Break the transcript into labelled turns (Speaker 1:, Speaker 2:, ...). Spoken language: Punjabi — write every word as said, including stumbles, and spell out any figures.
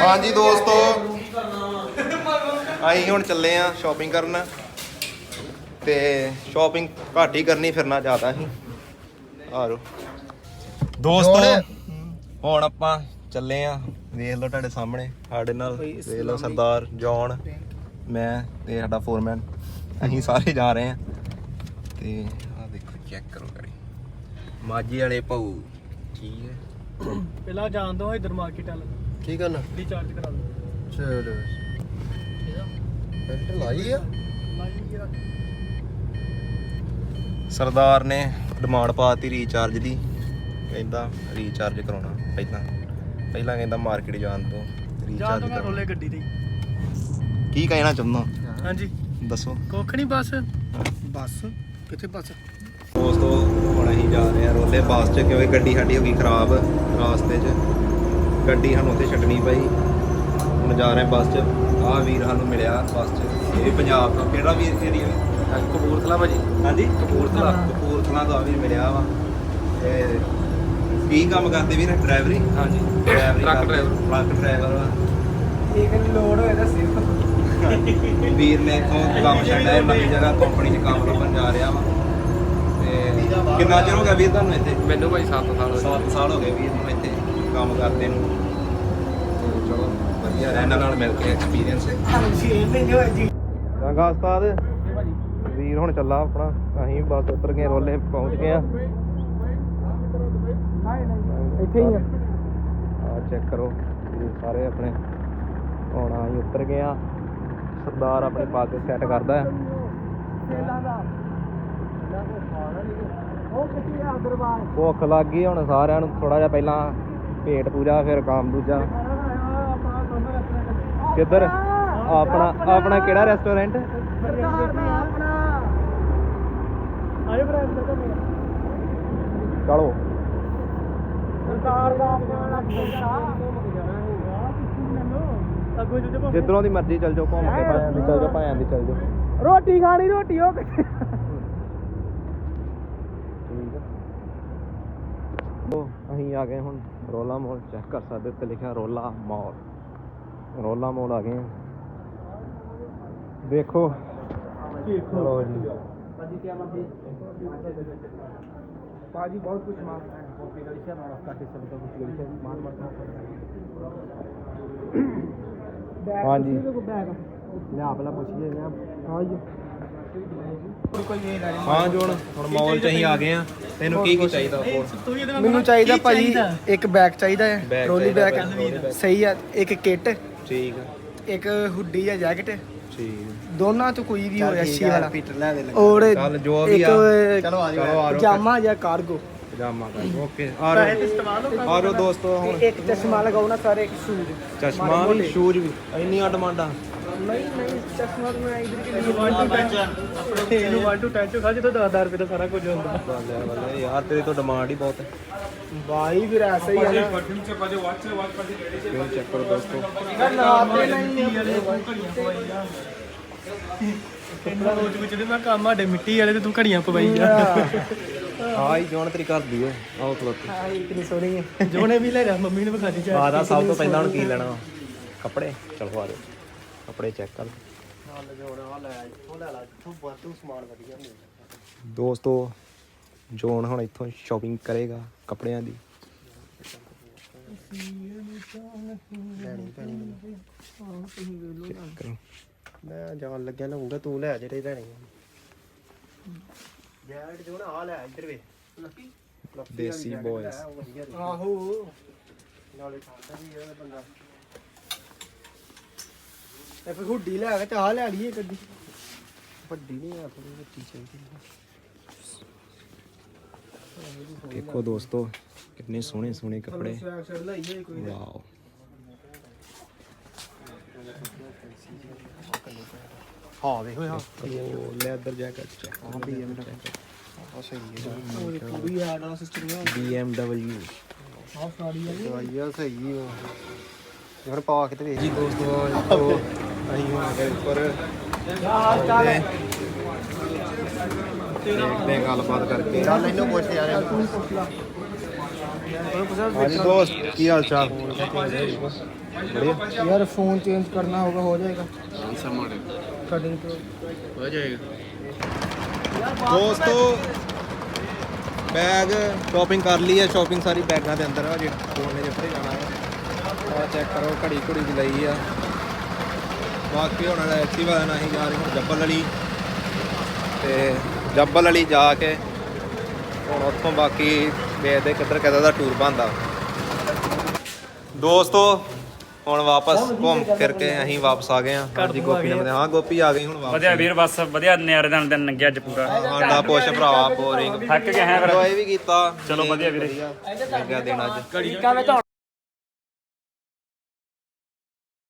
Speaker 1: हाँ जी दोस्तों ਅਸੀਂ ਹੁਣ ਚੱਲੇ ਆ ਸ਼ਾਪਿੰਗ ਕਰਨ ਤੇ ਸ਼ਾਪਿੰਗ ਘੱਟ ਹੀ ਕਰਨੀ ਫਿਰਨਾ ਜ਼ਿਆਦਾ ਹੀ ਆਰੋ ਦੋਸਤੋ ਹੁਣ ਆਪਾਂ ਚੱਲੇ ਆ ਵੇਖ ਲਓ ਤੁਹਾਡੇ ਸਾਹਮਣੇ ਸਾਡੇ ਨਾਲ ਵੇਖ ਲਓ ਸਰਦਾਰ ਜੌਨ ਮੈਂ ਤੇ ਸਾਡਾ ਫੋਰਮੈਨ ਅਸੀਂ ਸਾਰੇ ਜਾ ਰਹੇ ਆ ਤੇ ਆ ਦੇਖੋ ਚੈੱਕ ਕਰੋ ਕਰੀ ਮਾਜੀ ਵਾਲੇ ਭਾਊ ਠੀਕ ਹੈ
Speaker 2: ਪਹਿਲਾਂ ਜਾਣ ਦੋ ਇਧਰ ਮਾਰਕੀਟ ਵਾਲ
Speaker 1: ਕੀ ਕਰਨਾ
Speaker 2: ਰੀਚਾਰਜ ਕਰਾ ਲਓ
Speaker 1: ਚਲੋ ਫਿਲਟਰ ਲਾਈ ਆ ਸਰਦਾਰ ਨੇ ਡਿਮਾਂਡ ਪਾਤੀ ਰੀਚਾਰਜ ਦੀ ਕਹਿੰਦਾ ਰੀਚਾਰਜ ਕਰਾਉਣਾ ਪਹਿਲਾਂ ਪਹਿਲਾਂ ਕਹਿੰਦਾ ਮਾਰਕੀਟ ਜਾਣ ਤੋਂ ਰੀਚਾਰਜ
Speaker 2: ਕਰ ਰੋਲੇ ਗੱਡੀ ਤੇ
Speaker 1: ਕੀ ਕਹਿਣਾ ਚਾਹੁੰਦਾ
Speaker 2: ਹਾਂਜੀ
Speaker 1: ਦੱਸੋ
Speaker 2: ਕੁੱਖ ਨਹੀਂ ਬਸ ਬੱਸ ਕਿੱਥੇ ਬੱਸ
Speaker 1: ਦੋਸਤੋ ਹੁਣ ਅਸੀਂ ਜਾ ਰਹੇ ਹਾਂ ਰੋਲੇ ਬੱਸ 'ਚ ਕਿਉਂਕਿ ਗੱਡੀ ਸਾਡੀ ਹੋ ਗਈ ਖਰਾਬ ਰਾਸਤੇ 'ਚ ਗੱਡੀ ਸਾਨੂੰ ਉੱਥੇ ਛੱਡਣੀ ਪਈ ਹੁਣ ਜਾ ਰਹੇ ਬੱਸ 'ਚ ਆਹ ਵੀਰ ਸਾਨੂੰ ਮਿਲਿਆ ਬੱਸ 'ਚ ਇਹ ਪੰਜਾਬ ਦਾ ਕਿਹੜਾ ਵੀਰ ਕਿਹੜੀ ਹੈ ਕਪੂਰਥਲਾ ਭਾਜੀ ਹਾਂਜੀ ਕਪੂਰਥਲਾ ਕਪੂਰਥਲਾ ਦਾ ਵੀਰ ਮਿਲਿਆ ਵਾ ਤੇ ਕੀ ਕੰਮ ਕਰਦੇ ਵੀਰ ਡਰਾਈਵਰੀ ਹਾਂਜੀ ਡਰਾਈਵਰੀ ਟਰੱਕ ਡਰਾਈਵਰ ਟਰੱਕ ਡਰਾਈਵਰ ਵਾ
Speaker 2: ਇਹ ਕਹਿੰਦੀ ਲੋਡ ਹੋਏ ਤਾਂ ਸਿਰਫ
Speaker 1: ਵੀਰ ਨੇ ਇੱਥੋਂ ਕੰਮ ਛੱਡਿਆ ਨਵੀਂ ਜਗ੍ਹਾ ਕੰਪਨੀ 'ਚ ਕੰਮ ਲੱਭਣ ਜਾ ਰਿਹਾ ਵਾ ਤੇ ਕਿੰਨਾ ਚਿਰ ਹੋ ਗਿਆ ਵੀਰ ਤੁਹਾਨੂੰ ਇੱਥੇ
Speaker 3: ਮੈਨੂੰ ਭਾਈ ਸੱਤ ਸਾਲ ਹੋ ਗਏ
Speaker 1: ਸੱਤ ਸਾਲ ਹੋ ਗਏ ਵੀਰ ਨੂੰ ਇੱਥੇ ਕੰਮ ਕਰਦੇ ਨੂੰ ਤੇ ਚਲੋ ਵਧੀਆ ਰਿਹਾ ਇਹਨਾਂ ਨਾਲ ਮਿਲ ਕੇ ਐਕਸਪੀਰੀਅੰਸ ਚੰਗਾ ਉਸਤਾਦ ਵੀਰ ਹੁਣ ਚੱਲਾ ਆਪਣਾ ਅਸੀਂ ਬਸ ਉਤਰ ਗਏ ਰੋਲੇ ਪਹੁੰਚ ਗਏ ਆ
Speaker 2: ਇੱਥੇ ਹੀ ਆ
Speaker 1: ਆ ਚੈੱਕ ਕਰੋ ਵੀਰ ਸਾਰੇ ਆਪਣੇ ਹੁਣ ਅਸੀਂ ਉਤਰ ਗਏ ਆ ਸਰਦਾਰ ਆਪਣੇ ਪੱਗ ਸੈੱਟ ਕਰਦਾ ਹੈ ਭੁੱਖ ਲੱਗ ਗਈ ਹੁਣ ਸਾਰਿਆਂ ਨੂੰ ਥੋੜਾ ਜਿਹਾ ਪਹਿਲਾਂ ਪੇਟ ਪੂਜਾ ਫਿਰ ਕੰਮ ਦੂਜਾ ਕਿੱਧਰ ਆਪਣਾ ਆਪਣਾ ਕਿਹੜਾ ਰੈਸਟੋਰੈਂਟ ਚਲੋ ਜਿੱਧਰੋਂ ਦੀ ਮਰਜ਼ੀ ਚੱਲ ਜਾਓ ਘੁੰਮ ਕੇ ਭਾਵੇਂ ਦੀ ਚੱਲ ਜਾਓ ਭਾਵੇਂ ਦੀ ਚੱਲ ਜਾਓ
Speaker 2: ਰੋਟੀ ਖਾਣੀ ਰੋਟੀ ਉਹ ਕਿੱਥੇ
Speaker 1: ਉਹ ਅਸੀਂ ਆ ਗਏ ਹੁਣ ਰੋਲਾ ਮੋਲ ਚੈੱਕ ਕਰ ਸਕਦੇ ਉੱਤੇ ਲਿਖਿਆ ਰੋਲਾ ਮੋਲ ਰੋਲਾ ਮੋਲ ਆ ਗਏ ਵੇਖੋ ਚਲੋ ਜੀ
Speaker 2: ਭਾਜੀ ਕੀ ਬਾਤ ਹੈ ਭਾਜੀ बहुत कुछ मांगता है कॉफी गलीचा मारा काटे सब का कुछ गलीचा मान मरता
Speaker 1: हाँ जी
Speaker 2: बैग
Speaker 1: ਲਿਆ ਪਹਿਲਾਂ ਪੁੱਛੀਏ ਲਿਆ
Speaker 2: हाँ जी
Speaker 1: ਹਾਂ ਜੋਨ ਹੁਣ ਮੌਲ 'ਚ ਅਸੀਂ ਆ ਗਏ ਆ ਤੈਨੂੰ ਕੀ ਕੀ ਚਾਹੀਦਾ ਹੋਰ
Speaker 2: ਮੈਨੂੰ ਚਾਹੀਦਾ ਭਾਜੀ ਇੱਕ ਬੈਗ ਚਾਹੀਦਾ ਹੈ
Speaker 1: ਬੈਗ
Speaker 2: ਟਰੋਲੀ
Speaker 1: ਚਾਹੀਦਾ,
Speaker 2: ਬੈਗ ਸਹੀ ਆ ਇੱਕ ਕਿੱਟ
Speaker 1: ਠੀਕ ਆ
Speaker 2: ਇੱਕ ਹੁੱਡੀ ਜਾਂ ਜੈਕਟ
Speaker 1: ਠੀਕ
Speaker 2: ਦੋਨਾਂ ਤੋਂ ਕੋਈ ਵੀ ਹੋਇਆ ਅੱਛੀ ਵਾਲਾ
Speaker 1: ਪੀਟਰ ਲੈ ਦੇ
Speaker 2: ਔਰ
Speaker 1: ਚੱਲ ਜੋ ਵੀ ਆ
Speaker 2: ਇੱਕ
Speaker 1: ਚਲੋ ਆ ਜਾਓ
Speaker 2: ਪਜਾਮਾ ਜਾਂ ਕਾਰਗੋ
Speaker 1: ਪਜਾਮਾ ਕਰ ਓਕੇ ਆ ਰਹੋ ਆ ਰਹੋ ਦੋਸਤੋ ਹੁਣ
Speaker 2: ਇੱਕ ਚਸ਼ਮਾ ਲਗਾਉ ਨਾ ਸਾਰੇ ਇੱਕ ਸ਼ੂਜ਼
Speaker 1: ਚਸ਼ਮਾ ਵੀ ਸ਼ੂਜ਼ ਵੀ ਇੰਨੀਆਂ ਡਿਮਾਂਡਾਂ
Speaker 2: ਨਹੀਂ ਨਹੀਂ ਚਸ਼ਮਾ ਤਾਂ ਮੈਂ ਇਧਰ ਕਿ ਆਪਣੇ ਇਹਨੂੰ ਇੱਕ ਟੂ ਦਸ ਖਾ ਜਦੋਂ ਦਸ ਹਜ਼ਾਰ ਰੁਪਏ ਦਾ ਸਾਰਾ ਕੁਝ ਹੁੰਦਾ
Speaker 1: ਬੱਲੇ ਬੱਲੇ ਯਾਰ ਤੇਰੀ ਤਾਂ ਡਿਮਾਂਡ ਹੀ ਬਹੁਤ ਹੈ
Speaker 2: ਭਾਈ ਫਿਰ ਐਸਾ ਹੀ ਹੈ ਨਾ
Speaker 3: परफ्यूम से पाजे वाच से वाच पाजे लेडीज
Speaker 1: ਕਿਉਂ ਚੈੱਕ ਕਰੋ ਦੋਸਤੋ
Speaker 2: ਨਾਤੇ ਨਹੀਂ ਕਿੰਨਾ ਰੋਜ਼ ਵਿੱਚ ਮੈਂ ਕੰਮ ਸਾਡੇ ਮਿੱਟੀ ਵਾਲੇ ਤੇ ਤੂੰ ਘੜੀਆਂ ਪਵਾਈ ਜਾ
Speaker 1: ਹਾਂ ਹੀ ਜੋਨ ਤੇਰੀ ਘਰ ਦੀ ਹੈ ਆਓ ਖਲੋਤੇ
Speaker 2: ਹਾਂ ਇਤਨੀ ਸੋਹਣੀ ਹੈ ਜੋਨੇ ਵੀ ਲੈ ਜਾ ਮੰਮੀ ਨੇ ਵਿਖਾ ਦੀ ਚਾਹ
Speaker 1: ਆਦਾ ਸਭ ਤੋਂ ਪਹਿਲਾਂ ਹੁਣ ਕੀ ਲੈਣਾ ਵਾ? ਕੱਪੜੇ ਚਲੋ ਆ ਜਾਓ ਕੱਪੜੇ ਚੈੱਕ ਕਰ ਦੋਸਤੋ ਜੋਨ ਹੁਣ ਇੱਥੋਂ ਸ਼ਾਪਿੰਗ ਕਰੇਗਾ ਕੱਪੜਿਆਂ ਦੀ ਚੈੱਕ ਕਰੋ
Speaker 2: ਮੈਂ ਜਾਣ ਲੱਗਿਆ ਲਊਂਗਾ ਤੂੰ ਲੈ ਜਿਹੜੇ ਲੈਣੇ ਜੈਕਟ ਜੋ ਨਾ ਆ ਲੈ ਇੱਧਰ ਵੇ
Speaker 1: ਦੇਸੀ ਬॉयਜ਼
Speaker 2: ਆਹੋ ਨਾਲੇ ਖਾਂਦਾ ਵੀ ਇਹ ਬੰਦਾ ਇਹ ਫਿਰ ਹੁੱਡੀ ਲੈ ਕੇ ਚਾਹ ਲੈ ਲਈਏ ਗੱਡੀ ਵੱਡੀ ਨਹੀਂ ਆ ਥੋੜੀ ਵੱਡੀ ਚਾਹੀਦੀ
Speaker 1: ਦੇਖੋ ਦੋਸਤੋ ਕਿੰਨੇ ਸੋਹਣੇ ਸੋਹਣੇ ਕੱਪੜੇ ਵਾਓ
Speaker 2: ਹਾਂ ਵੇਖੋ ਹਾਂ
Speaker 1: ਲੈਦਰ ਜੈਕਟ ਚੈੱਕ
Speaker 2: ਹਾਂ ਬੀਐਮ ਦਾ ਆ ਸਹੀ ਹੈ ਪੂਰੀ ਐਡ ਵਾਲਾ ਸਿਸਟਮ ਹੈ
Speaker 1: B M W
Speaker 2: ਆਹ ਸਾੜੀ ਆ
Speaker 1: ਦਵਾਈਆ ਸਹੀ ਹੋ ਯਾਰ ਪਾ ਕੇ ਤੇ ਵੇਖ ਜੀ ਦੋਸਤੋ ਦੇਖੋ ਅਸੀਂ ਹੁਣ ਆ ਗਏ ਉੱਪਰ ਦੇਖਦੇ ਹਾਂ ਗੱਲਬਾਤ ਕਰਕੇ
Speaker 2: ਚੱਲ ਇਹਨੂੰ ਪੁੱਛ ਯਾਰ
Speaker 1: ਹਾਂਜੀ ਦੋਸਤ ਕੀ ਹਾਲ ਚਾਲ बढ़िया
Speaker 2: यार फ़ोन चेंज करना होगा, हो जाएगा
Speaker 3: कौन सा मॉडल
Speaker 2: कटिंग तो
Speaker 3: हो जाएगा
Speaker 1: ਦੋਸਤੋ ਬੈਗ ਸ਼ਾਪਿੰਗ ਕਰ ਲਈ ਹੈ। ਸ਼ਾਪਿੰਗ ਸਾਰੀ ਬੈਗਾਂ ਦੇ ਅੰਦਰ ਆ ਜੇ ਫੋਨ ਨੇ ਜਿੱਥੇ ਜਾਣਾ ਹੈ। ਆ ਚੈੱਕ ਕਰੋ, ਘੜੀ ਘੜੀ ਵੀ ਲਈ ਆ। ਬਾਕੀ ਹੁਣ ਐਕਟਿਵਾ ਨਾਲ ਅਸੀਂ ਜਾ ਰਹੇ ਹਾਂ ਜੱਬਲ ਵਾਲੀ, ਤੇ ਜੱਬਲ ਵਾਲੀ ਜਾ ਕੇ ਹੁਣ ਉੱਥੋਂ ਬਾਕੀ ਵੇਖਦੇ ਕਿੱਧਰ ਕਿੱਧਰ ਦਾ ਟੂਰ ਬਣਦਾ। ਦੋਸਤੋ ਹੁਣ ਵਾਪਸ ਘੁੰਮ ਫਿਰ ਕੇ ਅਸੀਂ ਵਾਪਸ ਆ ਗਏ ਹਾਂ। ਹਾਂਜੀ ਗੋਪੀ ਨੇ ਹਾਂ ਗੋਪੀ ਆ ਗਈ ਹੁਣ ਵਾਪਸ।
Speaker 4: ਵਧੀਆ ਵੀਰ ਬਸ ਵਧੀਆ ਨਿਆਰੇ ਦਾ ਦਿਨ ਲੰਘਿਆ ਅੱਜ ਪੂਰਾ
Speaker 1: ਸਾਡਾ ਪੁੱਛ ਭਰਾ ਬੋਰਿੰਗ
Speaker 4: ਥੱਕ ਗਏ ਹੈ ਫਿਰ
Speaker 1: ਇੰਜੋਏ ਵੀ ਕੀਤਾ।
Speaker 4: ਚਲੋ ਵਧੀਆ ਵੀਰੇ।
Speaker 1: ਲੱਗਿਆ ਦਿਨ ਅੱਜ।
Speaker 2: अमेरिका में तो